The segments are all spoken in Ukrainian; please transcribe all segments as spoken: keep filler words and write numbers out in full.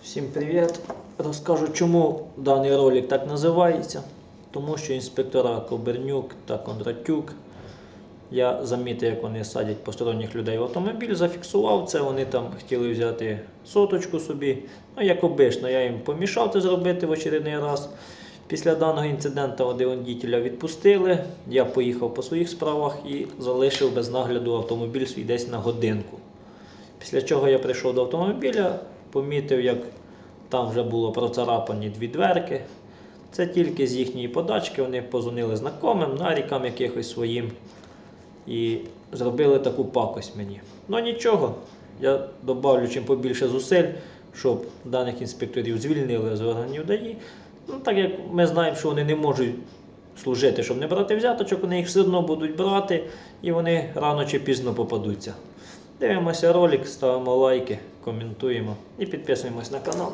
Всім привіт! Розкажу, чому даний ролик так називається. Тому що інспектора Кобернюк та Кондратюк, я замітив, як вони садять посторонніх людей в автомобіль, зафіксував це, вони там хотіли взяти соточку собі. Ну, як обично, я їм помішав це зробити в очередний раз. Після даного інциденту водителя відпустили, я поїхав по своїх справах і залишив без нагляду автомобіль свій десь на годинку. Після чого я прийшов до автомобіля, помітив, як там вже було процарапані дві дверки. Це тільки з їхньої подачки, вони позвонили знайомим, нарікам якихось своїм і зробили таку пакость мені. Ну нічого, я добавлю чим побільше зусиль, щоб даних інспекторів звільнили з органів ДАІ. Ну, так як ми знаємо, що вони не можуть служити, щоб не брати взяточок, вони їх все одно будуть брати і вони рано чи пізно попадуться. Дивимося ролик, ставимо лайки, коментуємо і підписуємось на канал.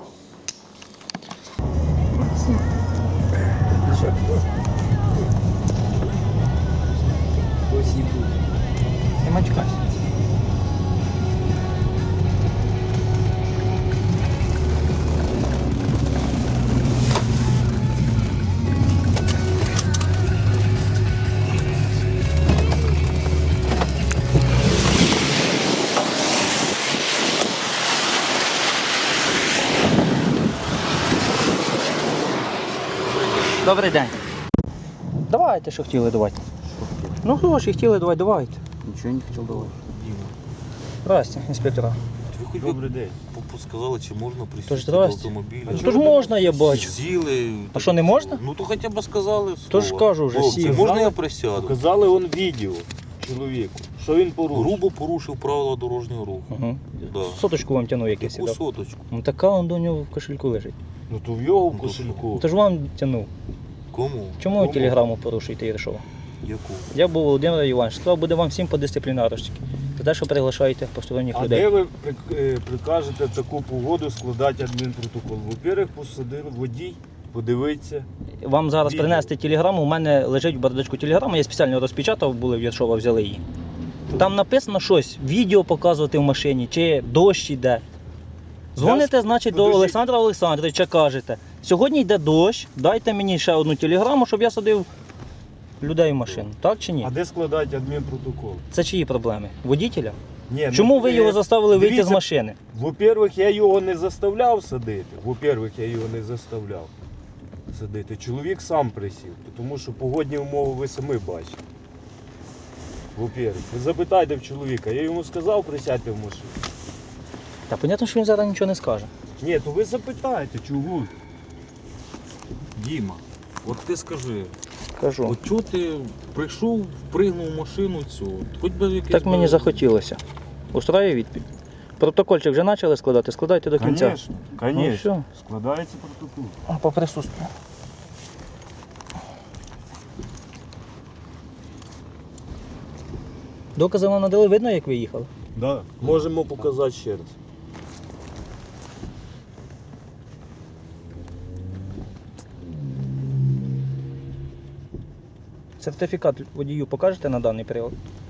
Не матюкайся. Добрий день. Давайте, що хотіли, давайте. Ну гроші хотіли, давай, давайте. Нічого не хотів давати. Здрасте, інспектора. Ви хоч Добрий день. сказали, чи можна Тож присісти до здрасте. автомобіля? Тож можна, я бачу. Сіли. А що, не можна? Ну то хоча б сказали Тож слово. кажу вже, Хлопці, сів. можна я присяду? Показали он відео чоловіку, що він порушив. Грубо порушив правила дорожнього руху. Угу. Да. Соточку вам тягнув якийсь. Яку дав. соточку? Ну така он до нього в кошельку лежить. Ну то в його в Ну, то кошельку. То ж вам тягнув. Кому? Чому ви Кому? телеграму порушуєте Єршова? Яку? Я був Володимир Іванович, сказав, буде вам всім по дисциплінарочці. За те, що приглашаєте посторонніх А людей. де ви при- е, прикажете в таку погоду складати адмінпротокол? Во-первых, посадив водій, подивиться. Вам зараз Відео. принести телеграму, у мене лежить в бардачку телеграма, я спеціально розпечатав, були в Єршова, взяли її. Там написано щось, відео показувати в машині, чи дощ йде. Дзвоните, значить, до Подожди. Олександра Олександровича, кажете, сьогодні йде дощ, дайте мені ще одну телеграму, щоб я садив людей в машину. Так чи ні? А де складати адмінпротокол? Це чиї проблеми? Водителя? Ні, Чому ну, ви е, його заставили вийти з дивіться, машини? Во-первых, я його не заставляв садити. Во-первых, я його не заставляв садити. Чоловік сам присів, тому що погодні умови ви самі бачите. Во-первых, ви запитайте в чоловіка, я йому сказав присядьте в машину. Та понятно, що він зараз нічого не скаже. Ні, то ви запитайте, чого? Діма, от ти скажи, Кажу. от чого ти прийшов, впригнув в машину цю? Хоч би якесь... Так мені би- захотілося. Устраює відповідь. Протокольчик вже почали складати, складайте до кінця. Конечно, Ну, конечно. все. Складається протокол. А, по присутствию. Докази вам надали, видно, як ви їхали? Да. Можемо показати ще раз. Сертифікат водію покажете на даний період?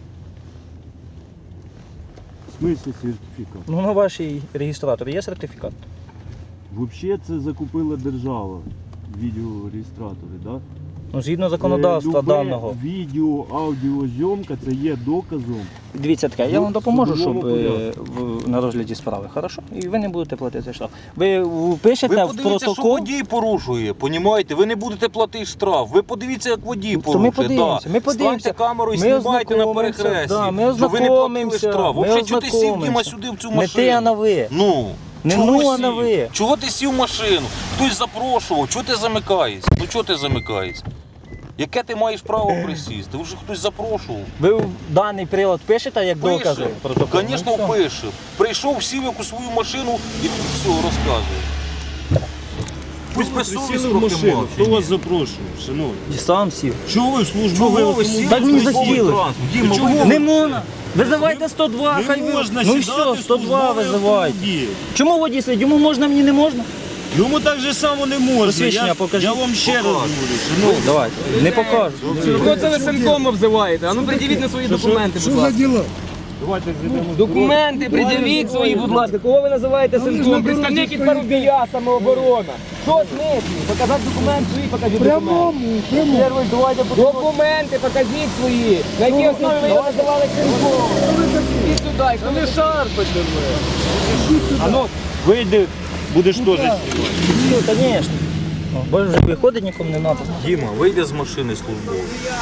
В смысле сертифікат? Ну, на вашій реєстраторі є сертифікат? Взагалі це закупила держава, відеореєстратори, да? Ну, згідно законодавства Е, любе даного. Відео, аудіозйомка це є доказом. Дивіться таке, я Ну, вам допоможу, в щоб судовому е, в- на розгляді справи, хорошо? І ви не будете платити штраф. Ви впишете Ви в подивіться, що протокол. водій порушує, понімаєте? Ви не будете платити штраф. Ви подивіться, як водій То порушує. ми подивимося, да. ми подивимося. Станьте камеру і Ми знімайте на ознакомимося, перехресті. да, ми що ви не платили ознакомимося, штраф. ми Взагалі, чого ти сів, Діма, ознакомимося. сюди в цю Не машину? ти, а на ви. Ну, Не чого ну, ви а на сів? ви. Чого ти сів в машину? Хтось запрошував, чого ти замикаєшся? Ну чого ти замикаєшся? Яке ти маєш право присісти? Вже хтось запрошував. Ви в даний прилад пишете як Пише. докази протоколу? Звісно, Ну, все. пише. Прийшов, сів якусь свою машину і все розказує. Пусть безсовість трохи мав. Хто вас запрошував, шановні? І сам сів. Чого ви в службу Чого ви сіли? Так мені в службовий захотілося. транспорт? Діма, Чого ви- ви- Не можна. Визивайте сто два, хай ви. можна Ну і сідати все, сто два в службовий визивайте. автомобіль. Чому водій слід? Йому можна, мені не можна? Йому так же само не можна. Посвідчення Я, покажіть. я вам ще раз Покажу. говорю, шановні. Давайте. Не покажу. Кого це ви синком обзиваєте? А ну придивіть на свої документи, будь ласка. дела? Давайте зійдемо. Документи пред'явіть свої, будь ласка. Кого ви називаєте синком? Представник із Парубія, самооборона. Що смислі? Показати документ свої, покажіть документи. Первый, давайте документи покажіть свої. На якій основі ви його називали синком? Іди сюди, хто не шарпайте мене. А ну, вийди, будеш теж знімати. Ну, звісно. Бо вже виходить, нікому не треба. Діма, вийди з машини службової.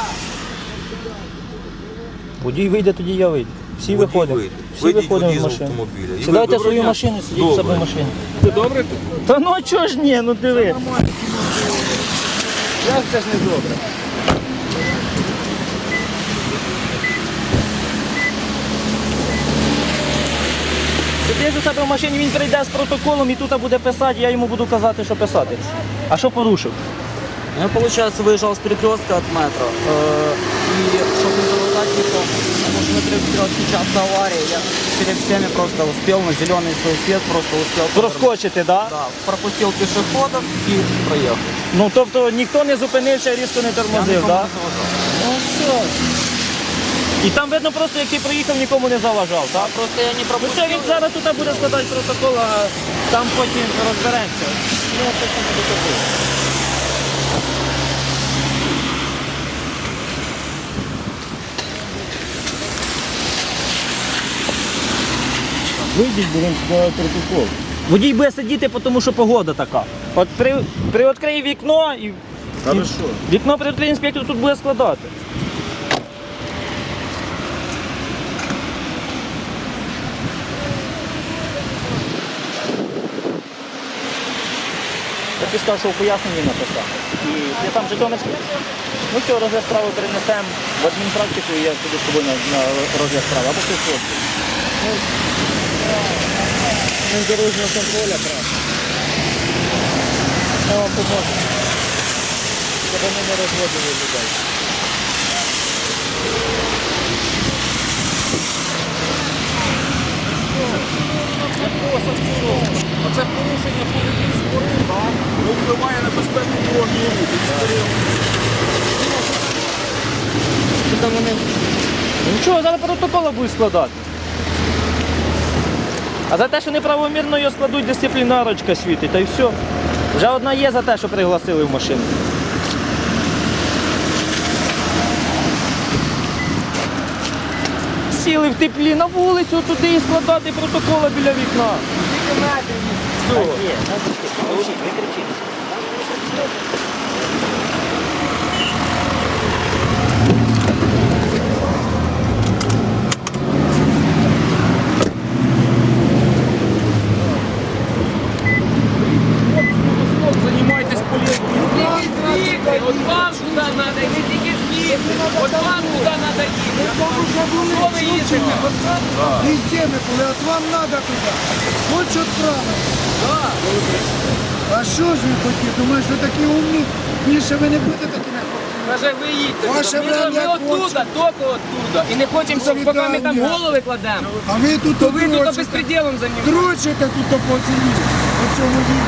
Водій вийде, тоді я вийду. Всі Водій виходимо. вийде. Всі Вийдіть виходимо водій з з машини. автомобіля. І Сідайте ви- в свою Добре. машину, сидіть в себе в Добре. машині. Ти добре тут? Та ну чого ж ні, ну диви. Як це ж не добре? Сидиш у себе в машині, він прийде з протоколом і тут буде писати, я йому буду казати, що писати. А що порушив? Я, получается, выезжал с перекрестка от метро. э, И чтобы не залутать никого, потому что на перекрестке часто аварии, я перед всеми просто успел на зеленый свой свет, просто успел Проскочити, так? Да? Да, пропустил пешеходов и проехал. Ну тобто ніхто не зупинився, різко не Я тормозив, никому так? не заважал. Ну все. І там видно просто, як ти проїхав, нікому не заважав, так? Просто я не Ну пропустил. все, він зараз тут буде складати протокол, а там потім розберемося. Ну, це саме протокол. Вийдіть, будемо складати протокол. Водій буде сидіти, тому що погода така. От при, приоткрий вікно і, і Хорошо. вікно приоткрий інспектор тут буде складати. Я ти сказав, що у поясненні написав. І я сам Житомирський. Ну все, розгляд справи перенесемо в адмінпрактику і я піду з тобою на, на розгляд справи. Або ти хлопці. Ну, дорожнього контроля, правда. Я вам поможу. Щоб вони не розводили людей. Оце порушення ходить спору, так? Ну, впливає на безпеку дорожнього руху. Що там вони? Ну нічого, зараз протоколи будуть складати. А за те, що неправомірно його складуть, дисциплінарочка світить, та й все. Вже одна є за те, що пригласили в машину. Сіли в теплі на вулицю туди і складати протоколи біля вікна. Все. Ви кричите. Займайтесь політикою. От вам туди треба, і не тільки звідси. От вам туди треба їхати. Що ви їздите? Везде, коли от вам надо туди. Хоч відправити. А що ж ви хотіли? Думаєш, ви такі умні? Більше ви не будете такими хлопцями. Каже, ви їдьте. Ваше Ми, время ми оттуда, кончено. тільки оттуда. І не хочемо, щоб поки ми там Свидання. голови кладемо. А ви тут То ви тут дрочите. безпреділом займаєтесь. Дрочите тут по ціні. У цьому віці.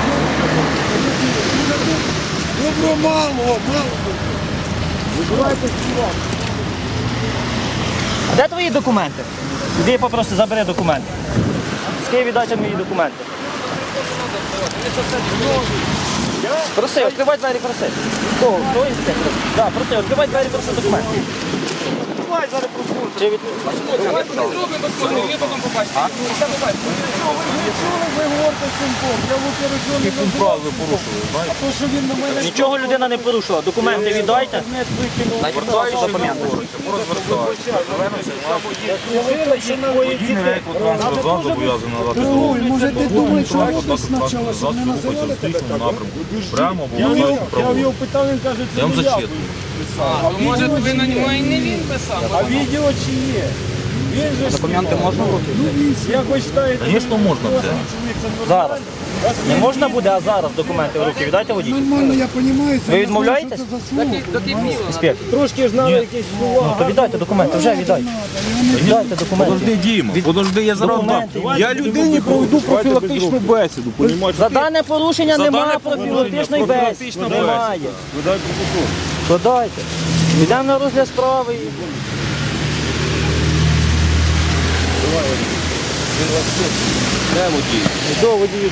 Добро мало, мало. Вибирайте співак. А де твої документи? Іди попроси, забери документи. З Києва дайте мої документи. Проси, відкривай двері, проси. Кого? Хто інспектор? Так, проси, відкривай двері, проси документи. Давай зараз послухай. Чи від... Ми зробимо посмотримо, ви потім побачите. Все побачите. Ви говорите синком, я в операційному Який пункт прав ви порушили, знаєте? то, що він на мене Нічого людина не порушила. Документи віддайте. Звертаючи не говорите, порозвертаючи. Звернемося, водій не виклик транспорт зал зобов'язаний надати Ой, дорогу. може ти думаєш, що робиш Дати спочатку, щоб не засіб рухається в називали тебе зустрічному так? напрямку. Прямо або Я в виходить його- я в його праворуч. питав, він каже, це Я вам не я. зачитую. А може ви на нього і не він писав? А відео чи є? Він же ж Документы можно в руки взять? як ви вважаєте, Звісно, можна це. чоловік це нормально? Зараз. Не можна буде, а зараз документи в руки віддайте водій. Нормально, я розумію. Ви відмовляєтесь? До кипіло. Інспектор. Трошки ж треба якісь слова. Ну, то віддайте документи, вже віддайте. Віддайте документи. Подожди, Діма, подожди, я зараз дам. Документи. Я людині проведу профілактичну бесіду, понімаєш? За дане порушення За немає дане профілактичної порушення бесіди. профілактична Немає. Видай протокол. Подайте. Йдемо на розгляд справи. і- Він вас слухає. Де водій? До водію.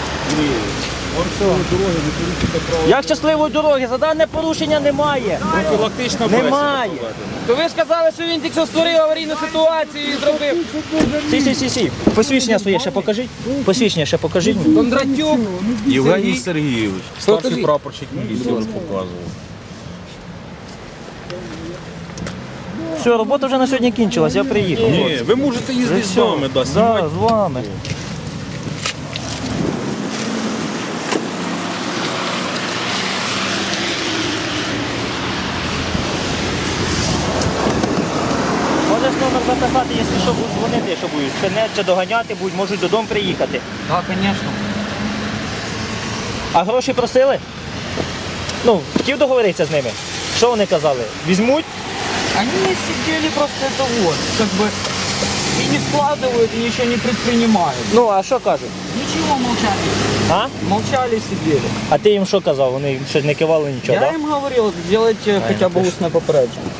Як щасливої дороги? За дане порушення немає. Профілактична Немає. То ви ж казали, що він тільки що створив аварійну ситуацію і зробив. Сі, сі, сі, сі. Посвідчення своє ще покажіть. Посвідчення ще покажіть. мені. Кондратюк. Євгеній Сергійович, старший Покажіть. прапорщик міліції, вже показував. Все, робота вже на сьогодні кінчилась, я приїхав. Ні, ви можете їздити з нами, да, Да, знімати. з вами. Можеш номер записати, якщо що, будуть дзвонити, якщо будуть спинять чи доганяти, будуть, можуть додому приїхати. Так, звісно. А гроші просили? Ну, хотів договоритися з ними. Що вони казали? Візьмуть? Они сидели просто это вот, как бы и не складывают, и ничего не предпринимают. Ну, а що кажуть? Ничего, молчали. А? Молчали, сидели. А ти їм що казав? Вони щось не кивали нічого, Я так? им говорил, сделайте хотя бы устное попереджение.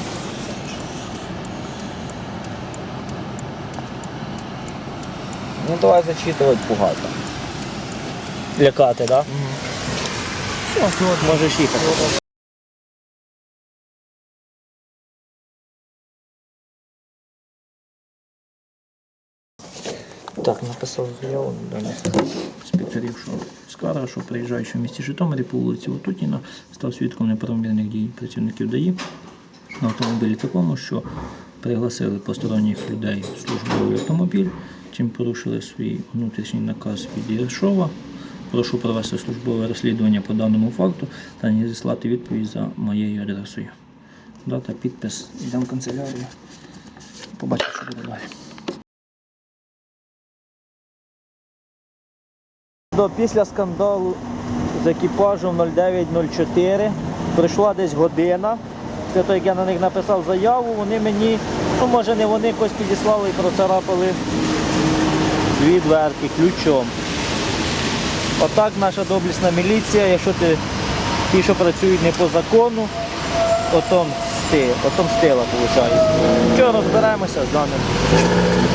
Ну давай зачитывать пугато. Лякати, так? Да? Все, можеш їхати. Так, написав заяву до інспекторів, що скарга, що приїжджаючи в місті Житомирі по вулиці Отутіна, став свідком неправомірних дій працівників ДАІ на автомобілі такому, що пригласили посторонніх людей в службовий автомобіль, чим порушили свій внутрішній наказ від Єршова. Прошу провести службове розслідування по даному факту та не зіслати відповідь за моєю адресою. Дата, підпис. Йдемо в канцелярію. Побачимо, що буде далі. Після скандалу з екіпажем нуль дев'ять нуль чотири пройшла десь година. Після того, як я на них написав заяву, вони мені, ну може не вони, якось підіслали і процарапали дві дверки ключом. Отак наша доблісна міліція, якщо ти ті, що працюють не по закону, отомсти, отомстила, виходить. Що розберемося з даним